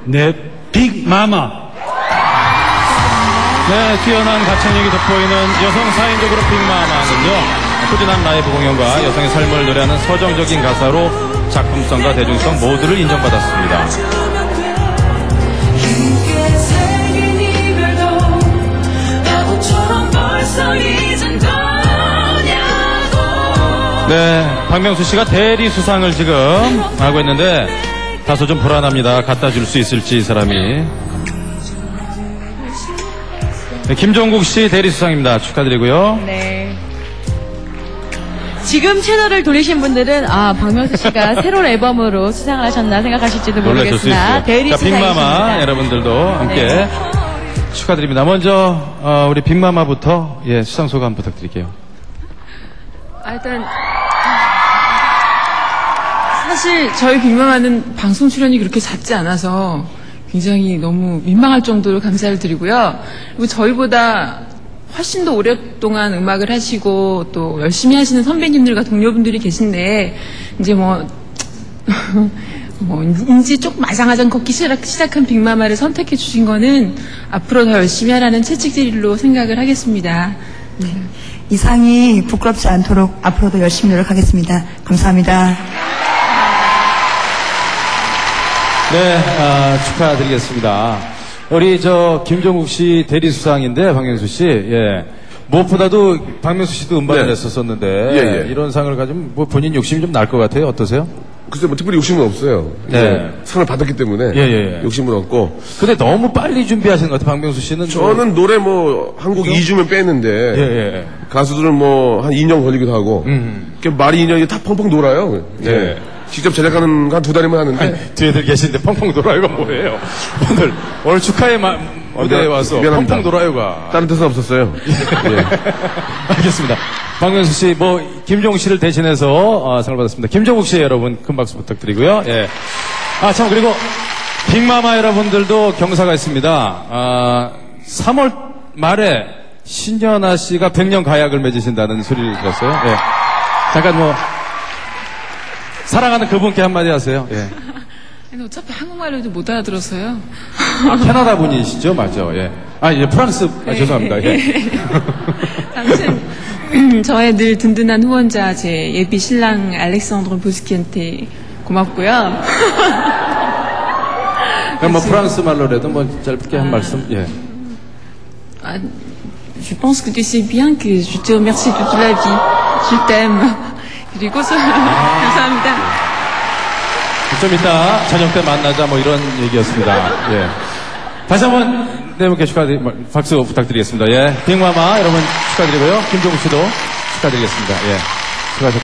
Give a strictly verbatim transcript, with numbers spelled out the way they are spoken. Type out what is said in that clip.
네, 빅마마. 네, 뛰어난 가창력이 돋보이는 여성 사 인조 그룹 빅마마는요, 꾸준한 라이브 공연과 여성의 삶을 노래하는 서정적인 가사로 작품성과 대중성 모두를 인정받았습니다. 네, 박명수 씨가 대리 수상을 지금 하고 있는데 다소 좀 불안합니다. 갖다 줄 수 있을지 이 사람이. 네, 김종국 씨 대리 수상입니다. 축하드리고요. 네. 지금 채널을 돌리신 분들은 아 박명수 씨가 새로운 앨범으로 수상을 하셨나 생각하실지도 모르겠으나 대리 수상이십니다. 빅마마 여러분들도 함께 네. 축하드립니다. 먼저 어, 우리 빅마마부터 예, 수상 소감 부탁드릴게요. 아, 일단 사실 저희 빅마마는 방송 출연이 그렇게 잦지 않아서 굉장히 너무 민망할 정도로 감사를 드리고요. 그리고 저희보다 훨씬 더 오랫동안 음악을 하시고 또 열심히 하시는 선배님들과 동료분들이 계신데 이제 뭐, 뭐 인지 조금 아장아장 걷기 시작, 시작한 빅마마를 선택해 주신 거는 앞으로 더 열심히 하라는 채찍질로 생각을 하겠습니다. 네. 이 상이 부끄럽지 않도록 앞으로도 열심히 노력하겠습니다. 감사합니다. 네, 아, 축하드리겠습니다. 우리 저 김종국 씨 대리 수상인데 박명수 씨, 예. 무엇보다도 박명수 씨도 음반을 네. 냈었었는데 예, 예. 이런 상을 가지면 뭐 본인 욕심이 좀 날 것 같아요. 어떠세요? 글쎄 뭐 특별히 욕심은 없어요. 네. 상을 받았기 때문에 예, 예, 예. 욕심은 없고. 근데 너무 빨리 준비하시는 것 같아요. 박명수 씨는. 저는 노래 뭐 한 곡 이 주면 빼는데 예, 예. 가수들은 뭐 한 이 년 걸리기도 하고 음. 말이 이 년이 다 펑펑 놀아요. 예. 예. 직접 제작하는 한 두 달이면 하는데. 아니, 뒤에들 계시는데 펑펑 돌아요가 뭐예요? 오늘 오늘 축하의 마, 무대에 어, 와서 미안합니다. 펑펑 돌아요가. 다른 뜻은 없었어요. 예. 알겠습니다. 박명수 씨, 뭐 김종국 씨를 대신해서 어, 상을 받았습니다. 김종국 씨 여러분 큰 박수 부탁드리고요. 예. 아 참 그리고 빅마마 여러분들도 경사가 있습니다. 아, 삼월 말에 신연아 씨가 백 년 가약을 맺으신다는 소리를 들었어요. 예. 잠깐 뭐 사랑하는 그분께 한마디 하세요. 예. 근데 어차피 한국말로 해도 못 알아들어서요. 아, 캐나다 분이시죠? 맞죠? 예. 아, 예, 프랑스, 아, 죄송합니다. 예. 아무튼, 저의 늘 든든한 후원자, 제 예비 신랑 알렉산드로 보스키한테 고맙고요. 그럼 뭐 프랑스 말로라도 뭐 짧게 한 말씀, 예. 아, je pense que tu sais bien que je te remercie toute la vie. Je t'aime. 그리고 소... 감사합니다. 좀 이따 저녁 때 만나자 뭐 이런 얘기였습니다. 예. 다시 한번 네 분께 축하드리, 박수 부탁드리겠습니다. 예. 빅마마 여러분 축하드리고요. 김종국 씨도 축하드리겠습니다. 예. 수고하셨습니다.